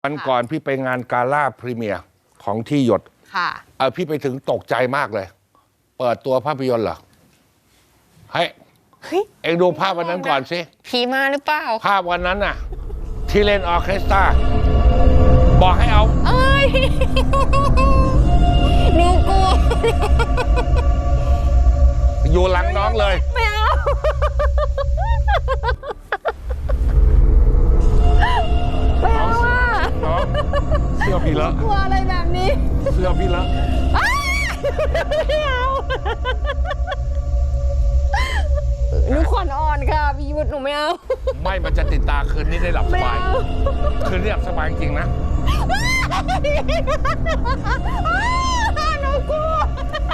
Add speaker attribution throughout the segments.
Speaker 1: วันก่อนพี่ไปงานกาล่าพรีเมียร์ของที่หยด
Speaker 2: ค่ะ
Speaker 1: พี่ไปถึงตกใจมากเลย เปิดตัวภาพยนตร์เหรอเฮ้ยเอ็งดูภาพวันนั้นก่อนสิ
Speaker 2: ผีมาหรือเปล่า
Speaker 1: ภาพวันนั้นน่ะที่เล่นออร์เคสตราบอกให้เอา
Speaker 2: เอ้ยหนูกลัว
Speaker 1: อยู่หลังน้องเลย
Speaker 2: ไม่เอาไม่เอาอ่ะ
Speaker 1: น้องเสื้อพี่เลอะ
Speaker 2: กลัวอะไรแบบนี้
Speaker 1: เสื้อพี่เลอะ
Speaker 2: ไม่เอาหนูขวัญอ่อนค่ะพี่ยุทธหนูไม่เอา
Speaker 1: ไม่มันจะติดตาคืนนี้ได้หลับสบายคืนนี้หลับสบายจริงนะ
Speaker 2: หนูกลัว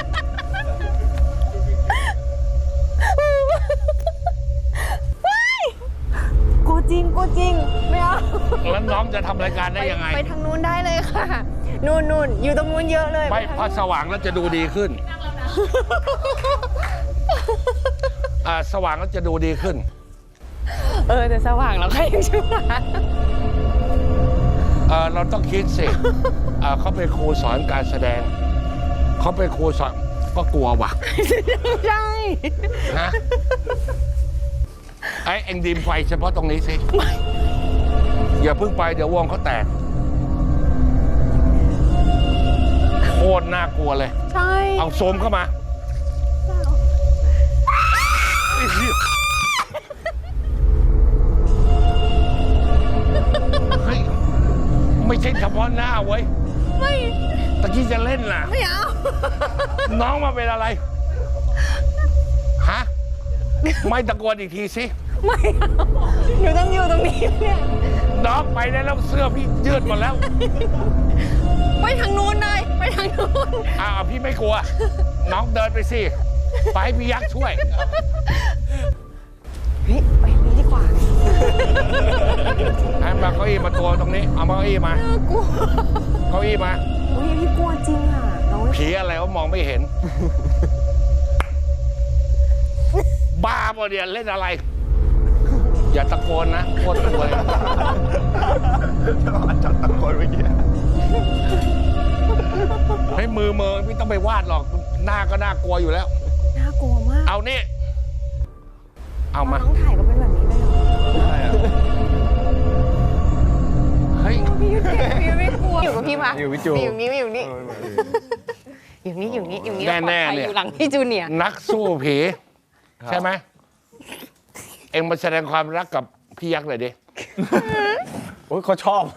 Speaker 2: กูจริงไม่เอา
Speaker 1: แล้วน้องจะทำรายการได้ยังไง
Speaker 2: ไปทางนู้นได้เลยค่ะนู่นอยู่ตรงนู้นเยอะเลย
Speaker 1: ไม่พอสว่างแล้วจะดูดีขึ้นสว่างแล้วจะดูดีขึ้น
Speaker 2: แต่สว่างแล้วใครยังชั่ว
Speaker 1: เราต้องคิดสิเขาเป็นครูสอนการแสดงเขาเป็นครูสอนก็กลัวว่ะ
Speaker 2: ใช่
Speaker 1: ฮะเอ็งดิมไฟเฉพาะตรงนี้สิอย่าเพิ่งไปเดี๋ยววงเขาแตกโคตรน่ากลัวเลย
Speaker 2: ใช่
Speaker 1: เอาโซมเข้ามาเฮ้ยไม่ใช่เฉพาะหน้าเว้ย
Speaker 2: ไม่
Speaker 1: ตะกี้จะเล่นน่ะ
Speaker 2: ไม่เอา
Speaker 1: น้องมาเป็นอะไรฮะไม่ตะโกนอีกทีสิ
Speaker 2: ไม่เอาหนูต้องอยู่ตรงนี้เนี่ย
Speaker 1: น้องไปได้แล้วเสื้อพี่ยืดหมดแล้ว
Speaker 2: ไปทางนู้นเลยไปทางนู้น
Speaker 1: พี่ไม่กลัวน้องเดินไปสิไปให้พี่ยักษ์ช่วย
Speaker 2: ไปนี้ดีกว่า
Speaker 1: ให้มาเก้าอี้มาตัวตรงนี้เอามาเก้าอี้มา
Speaker 2: น่ากลัว
Speaker 1: เก้าอี้มา
Speaker 2: พี่กลัวจริงอ่ะน้อง
Speaker 1: ผีอะไรก็มองไม่เห็นบ้าปะเนี่ยเล่นอะไรอย่าตะโกนนะโคตรกลัวเลย
Speaker 3: จัดตะโกนเมื่อกี้
Speaker 1: ให้มือไม่ต้องไปวาดหรอกหน้าก็น่ากลัวอยู่แล้ว
Speaker 2: น่ากลัวมาก
Speaker 1: เอานี่เอามา
Speaker 2: น้องถ่ายก็เป็นแบบนี้เลยเหรอ
Speaker 3: ใช่
Speaker 1: เฮ้ย
Speaker 2: พี่ยุทธพี่ไม่กลัวอยู่กับพี่มา
Speaker 3: อยู่พี่จู
Speaker 2: อยู่นี่อยู่นี่
Speaker 1: แน่ๆเนี่ย
Speaker 2: อยู่หลังพี่จูเนียร์
Speaker 1: นักสู้ผีใช่ไหมเอ็งมาแสดงความรักกับพี่ยักษ์เลยดิ
Speaker 3: โอ้ยเขาชอบ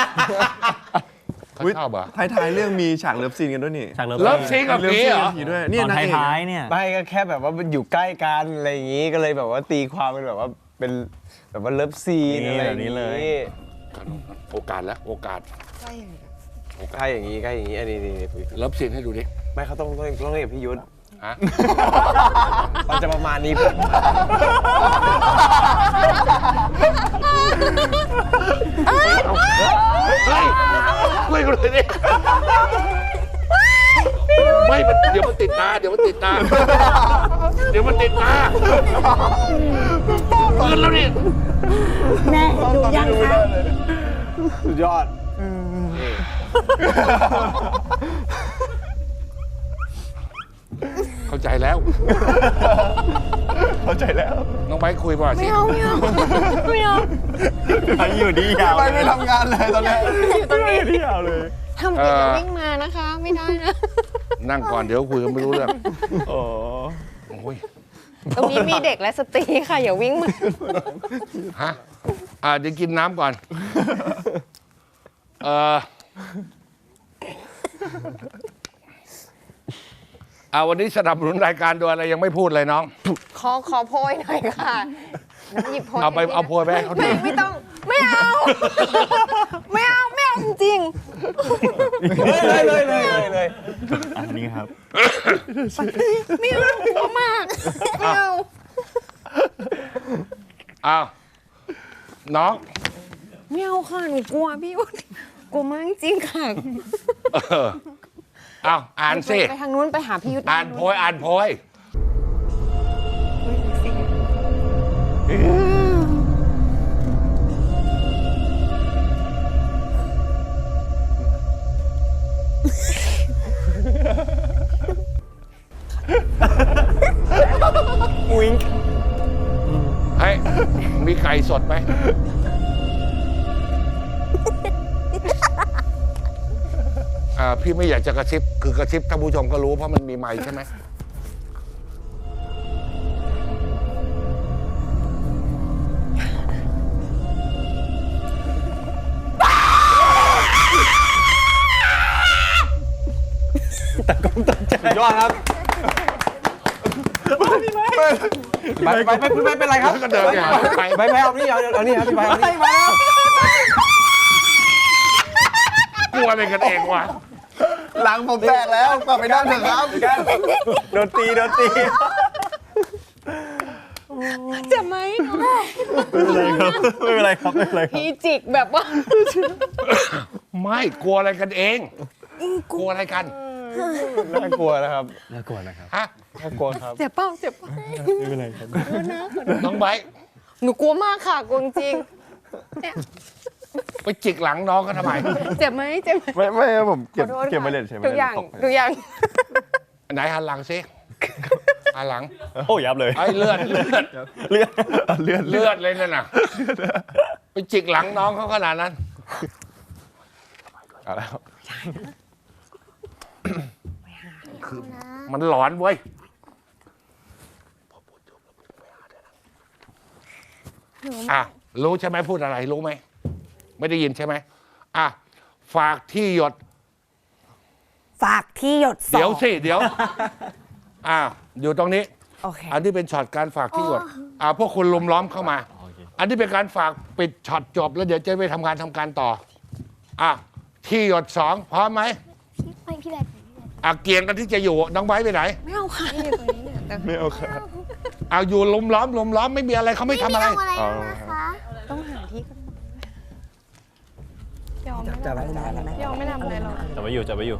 Speaker 1: เขาชอบเหรอ
Speaker 3: ท้ายเรื่องมีฉากเลิฟซีนกันด้วยนี่
Speaker 1: ฉากเลิฟซีนกับผีเหรอ
Speaker 3: ด้วยนี่
Speaker 4: นท้ายเนี่ย
Speaker 3: ไม่ก็แค่แบบว่ามันอยู่ใกล้กันอะไรอย่างงี้ก็เลยแบบว่าตีความเป็นแบบว่าเป็นแบบว่าเลิฟซีนอะไรแบบนี้เลย
Speaker 1: โอกาสแล้วโอกาส
Speaker 3: ใกล้อย่างนี้อันนี้
Speaker 1: เลิฟซีนให้ดูดิ
Speaker 3: ไม่เขาต้องเรียกพี่ยุทธ
Speaker 1: ฮะ
Speaker 3: มันจะประมาณนี้
Speaker 1: เฮ้ยกูเลยดิไม่เดี๋ยวมันติดตาเกินแล้วนี่
Speaker 2: แม่ดูยังคะ
Speaker 3: สุดยอด
Speaker 1: เข้าใจแล้วน้องไบคุยป่ะสิ
Speaker 2: ไม่เอา
Speaker 3: ไปอยู่ดียาวไม่ทำงานเลยตอนนี้อยู่ตรงนี้ยาวเลย
Speaker 2: ทำกิจวิ่งมานะคะไม่ได้นะ
Speaker 1: นั่งก่อนเดี๋ยวคุยกันไม่รู้เรื่อง
Speaker 3: โอ้
Speaker 1: ย
Speaker 2: ตรงนี้มีเด็กและสตรีค่ะอย่าวิ่งมา
Speaker 1: ฮะเดี๋ยวกินน้ำก่อนวันนี้สนับสนุนรายการโดยอะไรยังไม่พูดเลยน้อง
Speaker 2: ขอโพยหน่อยค่ะหยิบโพย
Speaker 1: เอาโพยไปเขาดู
Speaker 2: ไม่ต้องไม่เอาจริง
Speaker 3: เลย
Speaker 4: อันนี้ครับ
Speaker 2: ไม่เอากลัวมากไม่
Speaker 1: เอาน้อง
Speaker 2: ไม่เอาค่ะหนูกลัวพี่กลัวมากจริงค่ะ
Speaker 1: อ่านสิ
Speaker 2: ไปทางนู้นไปหาพี่ยุทธ
Speaker 1: อ่านโพยมีไก่สดไหม พี่ไม่อยากจะกระซิบ คือกระซิบท่านผู้ชมก็รู้เพราะมันมีไมค์ใช่ไหม
Speaker 3: สุดยอดครับไปเป็นไรครับ
Speaker 1: ก็เดินไปหาไป
Speaker 3: ไปเอานี่เอานี่ครับพี่ไปเอานี่มาแล้ว
Speaker 1: กลัวอะไรกันเองวะ
Speaker 3: หลังผมแตกแล้วกลับไปนั่งเถอะครับโดนตี
Speaker 2: เจ็บไหม
Speaker 4: ไม่เป็นไรครับ ไม่เป็นไรครับ
Speaker 2: พี่จิกแบบว่า
Speaker 1: ไม่กลัวอะไรกันเอง กลัวอะไรกัน
Speaker 3: น่ากลัวนะครับน่ากลัวนะครับ
Speaker 1: ฮะ
Speaker 3: น่ากลัวครับ
Speaker 2: เจ็บเปล่าเจ็บเปล่า
Speaker 4: ไม่เป็นไรครับ
Speaker 1: น้องไบร์ท
Speaker 2: หนูกลัวมากค่ะกลัวจริง
Speaker 1: ไปจิกหลังน้องก็ทำไม
Speaker 2: เจ็บไหมเจ็บไหม
Speaker 3: ไม่ครับผมเก็บ
Speaker 2: ขอโทษค่ะ
Speaker 3: เก็บไปเลยใช่ไหม
Speaker 2: ทุกอย่างทุกอย่าง
Speaker 1: ไหนหันหลังสิหันหลัง
Speaker 4: โอ้ยับเลย
Speaker 1: ไอ้เลือด
Speaker 4: เลือด
Speaker 1: เลือดเลยนั่นน่ะ ไปจิกหลังน้องเขาขนาดนั้น
Speaker 3: เอาแล้ว
Speaker 1: คือมันหลอนเว้ย อ่ะ รู้ใช่ไหมพูดอะไรรู้ไหม ไม่ได้ยินใช่ไหมอ่ะ ฝากที่หยด
Speaker 5: ฝากที่หยดสอง
Speaker 1: เดี๋ยวสิ เดี๋ยว อ่ะ อยู่ตรงนี้
Speaker 5: โอเค
Speaker 1: อันนี้เป็นช็อตการฝากที่หยด พวกคุณลุมล้อมเข้ามา อันนี้เป็นการฝากปิดช็อตจบ แล้วเดี๋ยวจะไปทำงานต่อ อ่ะ ที่หยดสองพร้อมไหม
Speaker 6: พี่แบบ
Speaker 1: เกียงกันที่จะอยู่ น้องไบร์ทไปไหน
Speaker 2: ไม่เอาค่ะนี่อยู่ตรงนี้เนี่ยแต่
Speaker 3: ไม่เอาครับ
Speaker 1: อยู่ลุมล้อมไม่มีอะไรเขาไม่ทำอะไร
Speaker 6: ไม่เอาอะไรนะคะ
Speaker 2: ต้องหาที่ก่อนยอมไม่
Speaker 5: จะ
Speaker 2: ทำ
Speaker 5: ไว้นานไหม
Speaker 2: ยอมไม่ทำอะไรหรอก
Speaker 4: จับไว้อยู่ จับไว้อยู่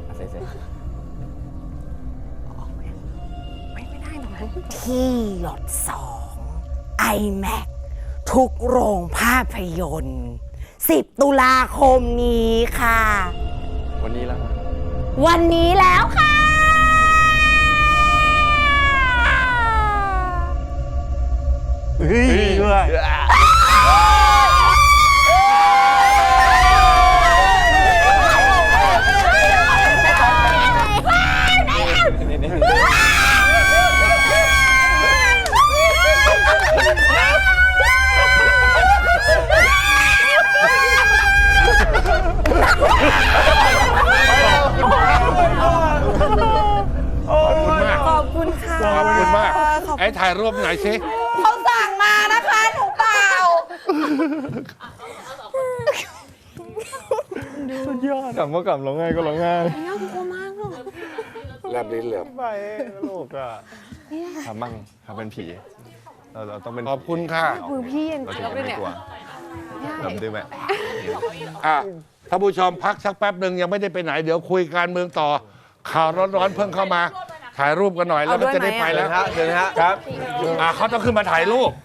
Speaker 2: ไม่ได้ตรงนั้น
Speaker 5: ที่หยดสองiMac ทุกโรงภาพยนตร์ 10 ตุลาคมนี้ค่ะ
Speaker 3: วันนี้แล้ว
Speaker 5: วันนี้แล้วค่ะ
Speaker 4: เฮ้ยด้วย
Speaker 5: ขอบคุณค่ะ
Speaker 1: ขอบคุณมาก ไอ้ถ่ายรูปหน่อยสิ
Speaker 5: เขาสั่งมานะคะหนูเปล่า
Speaker 3: สุดยอดกลับก็กลับร้องไห้ก็ร้องไห้
Speaker 2: ยอมกลัวมากเลย
Speaker 1: แลบลิ้นเหลือบ
Speaker 3: ไปตลกอ่ะทำมั่งทำเป็นผีเราต้องเป็น
Speaker 1: ขอบคุณค่ะ
Speaker 2: มือพี่เย็น
Speaker 3: เรา
Speaker 2: เจี๊
Speaker 3: ถึ
Speaker 2: ย
Speaker 3: ง
Speaker 2: บเลย
Speaker 3: จะไม่
Speaker 2: เนี่ย
Speaker 3: กลัวแบบดื้อไหม
Speaker 1: ท่านผู้ชมพักสักแป๊บหนึ่งยังไม่ได้ไปไหน เดี๋ยวคุยการเมืองต่อ ข่าวร้อนๆเพิ่งเข้ามา ถ่ายรูปกันหน่อยแล้วก็จะได้ไปแล้ว
Speaker 3: เชิญฮะครับ
Speaker 1: เขาต้องขึ้นมาถ่ายรูป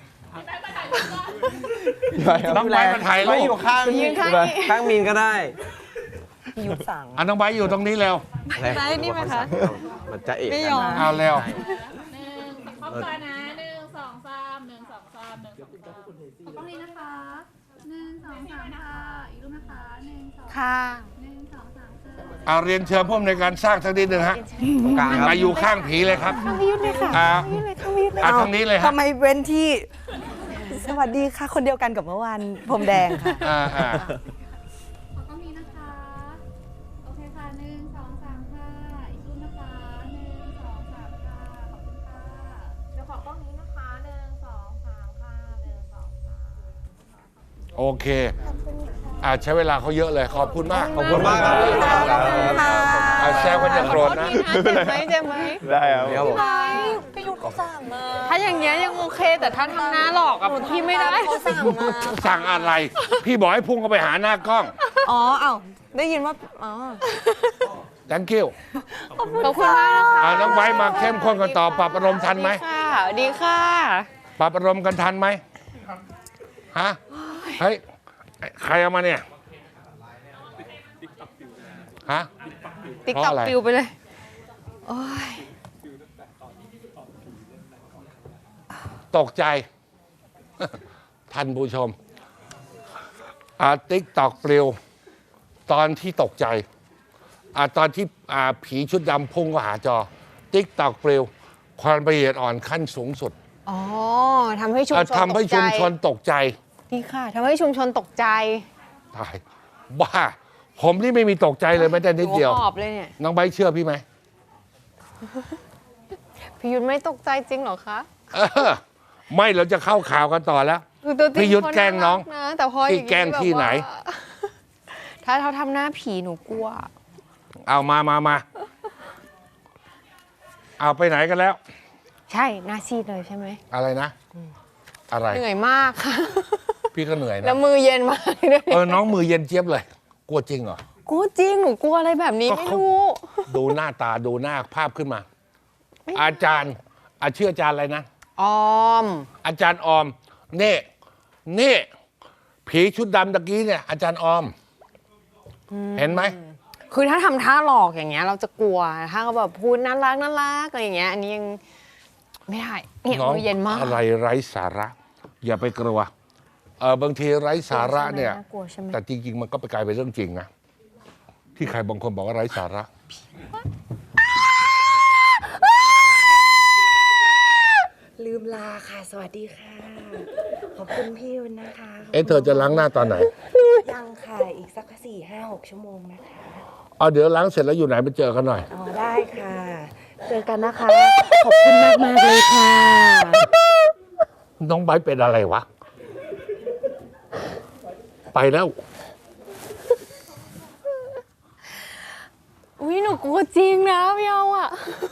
Speaker 1: น้องไบร์ทมาถ่ายรูป
Speaker 3: ไม่อยู่ข้าง
Speaker 2: ยืนข้างนี้
Speaker 3: ข้างมีนก็ได้
Speaker 5: พี่หยุดสั่ง
Speaker 1: น้องไบร์ทอยู่ตรงนี้แล้ว
Speaker 2: ได้นี่ไหมคะ
Speaker 3: มันจะเอก
Speaker 2: ไม่ยอม
Speaker 1: เอาแล้ว
Speaker 6: ครอบครัวนะ1 2 3 1 2 3 1 2 3ตรงนี้นะคะ1 2 3ค่ะอีกรูปนะคะ1 2
Speaker 5: ค่ะ
Speaker 6: 1 2 3
Speaker 1: เอาเรียนเชิญผู้อำนวยการสร้างสักนิดหนึ่งฮะ
Speaker 3: กลางครับ
Speaker 1: มาอยู่ข้างผีเลยครับ
Speaker 5: พี่ยุทธเลยค่ะ
Speaker 1: อ่า
Speaker 5: พี่ยุทธเลยค่ะพี่ยุทธเลย
Speaker 1: ทางนี้เลยฮะ
Speaker 5: ทำไมเว้นที่ สวัสดีค่ะ คนเดียวกันกับเมื่อวานพรมแดงค่ะ
Speaker 6: ตรงนี้นะคะโอเคค่ะ1 2 3ค่ะอีกรูปนะคะ1 2 3ค่ะขอบคุณค่ะเดี๋ยวขอกล้องนี้นะคะ1 2 3ค่ะ1 2 3
Speaker 1: โอเค ใช้เวลาเขาเยอะเลย ขอบคุณมาก
Speaker 3: ขอบคุณมากครับ
Speaker 1: แซวกันอย่าโกรธนะ
Speaker 2: เจ็บไหมเจ็บไหม
Speaker 3: ได้ครับผม
Speaker 5: พี่ยุทธเขาสั่งมา
Speaker 2: ถ้าอย่างเงี้ยยังโอเค แต่ถ้าทำหน้าหลอกอะพี่ไม่ได้
Speaker 5: เขาสั่งมา
Speaker 1: สั่งอะไร พี่บอกให้พุ่งเข้าไปหาหน้ากล้อง
Speaker 5: อ๋อเอ้าได้ยินว่า อ๋อ
Speaker 1: thank you
Speaker 2: ขอบคุณมากนะคะ
Speaker 1: น้องไว้มาเข้มข้นกันต่อ ปรับอารมณ์ทันไหม
Speaker 2: ค่ะดีค่ะ
Speaker 1: ปรับอารมณ์กันทันไหมฮะ เฮ้ย ใครเอามาเนี่ย ฮะ
Speaker 2: ติ๊ก
Speaker 1: เพราะ
Speaker 2: ต็อก
Speaker 1: อะไร
Speaker 2: ปิวไปเลย โอ้ย
Speaker 1: ตกใจท่านผู้ชมติ๊กตอกปลิวตอนที่ตกใจตอนที่ผีชุดดำพุ่งเข้าหาจอติ๊กตอกปลิวความละเอียดอ่อนขั้นสูงสุด
Speaker 2: อ๋อทำให้ชุมชน
Speaker 1: ทำให้ชุมชนตกใจ
Speaker 2: ดีค่ะทำให้ชุมชนตกใจ
Speaker 1: ตายบ้า ผมนี่ไม่มีตกใจเลยแม้แต่นิดเดียว
Speaker 2: หัหอบเลยเนี่ย
Speaker 1: น้องใบร์ทเชื่อพี่ไหม
Speaker 2: พี่ยุทธไม่ตกใจจริงเหรอคะ
Speaker 1: เออไม่เราจะเข้าข่าวกันต่อแล้ว
Speaker 2: คือตัวจริง
Speaker 1: พี่ยุทธ
Speaker 2: เขา
Speaker 1: แกล้งน้อง
Speaker 2: ารันะแต่พออย่าง
Speaker 1: พี่แกล้งที่ไหน
Speaker 2: แบบว่าถ้าเขาทำหน้าผีหนูกลัว
Speaker 1: เอามาเอาไปไหนกันแล้ว
Speaker 2: ใช่หน้าซีดเลยใช่ไหม
Speaker 1: อะไรนะ อะไร
Speaker 2: เหนื่อยมากค่ะ
Speaker 1: พี่ก็เหนื่อย
Speaker 2: แล้
Speaker 1: นะ
Speaker 2: วมือเย็นมากด้วย
Speaker 1: น้องมือเย็นเจี๊ยบเลย กลัวจริงเหรอ
Speaker 2: กลัวจริงหนูกลัวอะไรแบบนี้
Speaker 1: ก็
Speaker 2: ไม่
Speaker 1: เขา
Speaker 2: รู้
Speaker 1: ดูหน้าตาดูหน้าภาพขึ้นมา อาจารย์ชื่ออาจารย์อะไรนะ
Speaker 2: ออม
Speaker 1: อาจารย์ออมนี่ผีชุดดำตะกี้เนี่ย อาจารย์ออม เห็นไหม
Speaker 2: คือถ้าทำท่าหลอกอย่างเงี้ย เราจะกลัวถ้าเขาแบบพูดน่ารักอะไรอย่างเงี้ย อันนี้ยังไม่ได้เนี่ย
Speaker 1: น้อง
Speaker 2: มือเย็นมาก
Speaker 1: อะไรไร้สาระ อย่าไปกลัวบางทีไร้สาระเนี่ย
Speaker 2: กลัวใช่ไหม
Speaker 1: แต่จริงๆ มันก็ไปกลายเป็นเรื่องจริงนะ ที่ใครบางคนบอกว่าไร้สาระ
Speaker 5: ลืมลาค่ะ สวัสดีค่ะ ขอบคุณพี่ยุนนะคะ
Speaker 1: เธอจะล้างหน้าตอนไหน
Speaker 5: ยังค่ะ อีกสัก4-5-6 ชั่วโมงนะคะ
Speaker 1: เดี๋ยวล้างเสร็จแล้วอยู่ไหนไปเจอกันหน่อย
Speaker 5: อ๋อได้ค่ะ เจอกันนะคะ ขอบคุณมากเลยค่ะ
Speaker 1: น้องไบร์ทเป็นอะไรวะ ไปแล้ว
Speaker 2: อุ้ยหนูกลัวจริงนะพี่เอาอ่ะ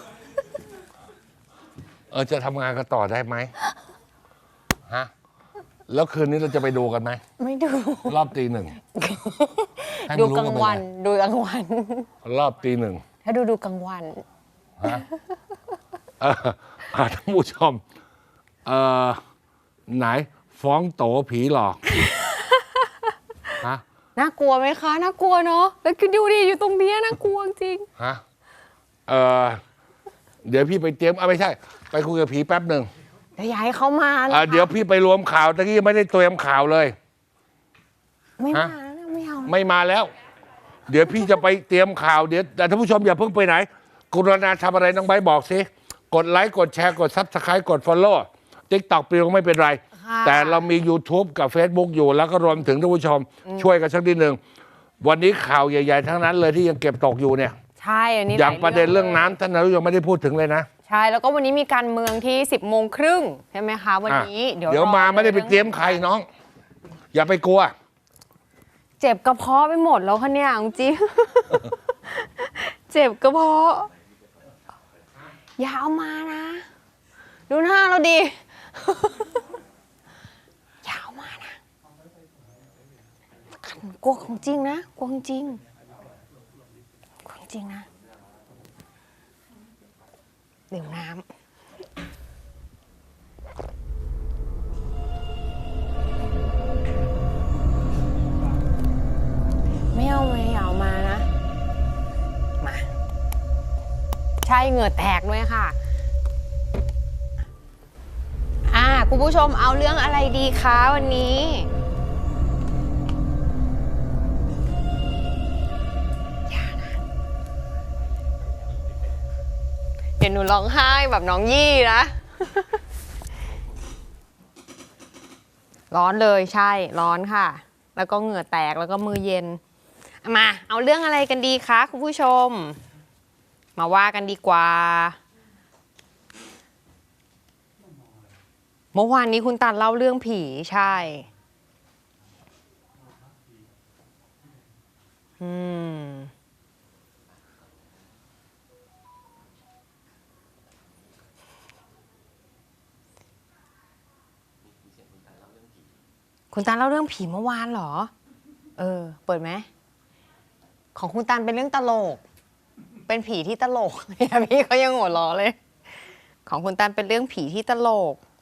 Speaker 1: จะทำงานกันต่อได้ไหมฮะ แล้วคืนนี้เราจะไปดูกันไหม
Speaker 2: ไม่ดู
Speaker 1: รอบตีหนึ่งให้
Speaker 2: ดู
Speaker 1: มันรู้
Speaker 2: กลางวัน
Speaker 1: ไปเลย
Speaker 2: ดูกลางวัน
Speaker 1: รอบตีหนึ่ง
Speaker 2: ถ้าดูกลางวัน
Speaker 1: ฮะท่านผู้ชมไหนฟ้องโตผีหลอกฮะ
Speaker 2: น่ากลัวไหมคะ น่ากลัวเนาะ แล้วคือดูดิอยู่ตรงเนี้ยน่ากลัวจริง
Speaker 1: ฮะเดี๋ยวพี่ไปเตรียมไม่ใช่ ไปคุยกับผีแป๊บหนึ่ง
Speaker 2: เดี๋ยวอยากให้เขามานะคะ
Speaker 1: เดี๋ยวพี่ไปรวมข่าวตะกี้ไม่ได้เตรียมข่าวเลย
Speaker 2: ไม่มา
Speaker 1: ฮะ
Speaker 2: แล้วไม่เอา
Speaker 1: ไม่มาแล้ว เดี๋ยวพี่จะไปเตรียมข่าวเดี๋ยวแต่ท่านผู้ชมอย่าเพิ่งไปไหน กรุณาทำอะไรน้องไบร์ทบอกสิกดไลค์กดแชร์กดซับสไครต์กด Follow TikTok ปลิวไม่เป็นไร
Speaker 2: ค่ะ
Speaker 1: แต่เรามี YouTube กับ Facebook อยู่แล้วก็รวมถึงท่านผู้ชม ช่วยกันสักนิดหนึ่งวันนี้ข่าวใหญ่ ๆ ทั้งนั้นเลยที่ยังเก็บตกอยู่เนี่ย
Speaker 2: ใช่ อันนี้
Speaker 1: อย่าง
Speaker 2: หล
Speaker 1: ประเด็นเรื่องน้ำท่านนายกยังไม่ได้พูดถึงเลยนะ
Speaker 2: ใช่ แล้วก็วันนี้มีการเมืองที่ 10:30 ใช่ไหมคะ วันนี้
Speaker 1: เดี๋ยวมาไม่ได้ไปเตรียมใครน้อง อย่าไปกลัว
Speaker 2: เจ็บกระเพาะไปหมดแล้วคะเนี่ยจริง เจ็บกระเพาะ อย่าเอามานะ ดูหน้าเราดิ อย่าเอามานะกลัวของจริงนะกลัวของจริงกลัวของจริงนะเดี๋ยวน้ำไม่เอามานะ มา ใช่เหงื่อแตกด้วยค่ะ คุณผู้ชมเอาเรื่องอะไรดีคะวันนี้อย่านะ เดี๋ยวหนูร้องไห้แบบน้องยี่นะ ร้อนเลยใช่ร้อนค่ะ แล้วก็เหงื่อแตกแล้วก็มือเย็นมาเอาเรื่องอะไรกันดีคะคุณผู้ชม มาว่ากันดีกว่า เมื่อวานนี้คุณตันเล่าเรื่องผีใช่คุณตันเล่าเรื่องผีเมื่อวานเหรอ เปิดไหมของคุณตันเป็นเรื่องตลก เป็นผีที่ตลก เนี่ยพี่เขายังหัวเราะเลย ของคุณตันเป็นเรื่องผีที่ตลก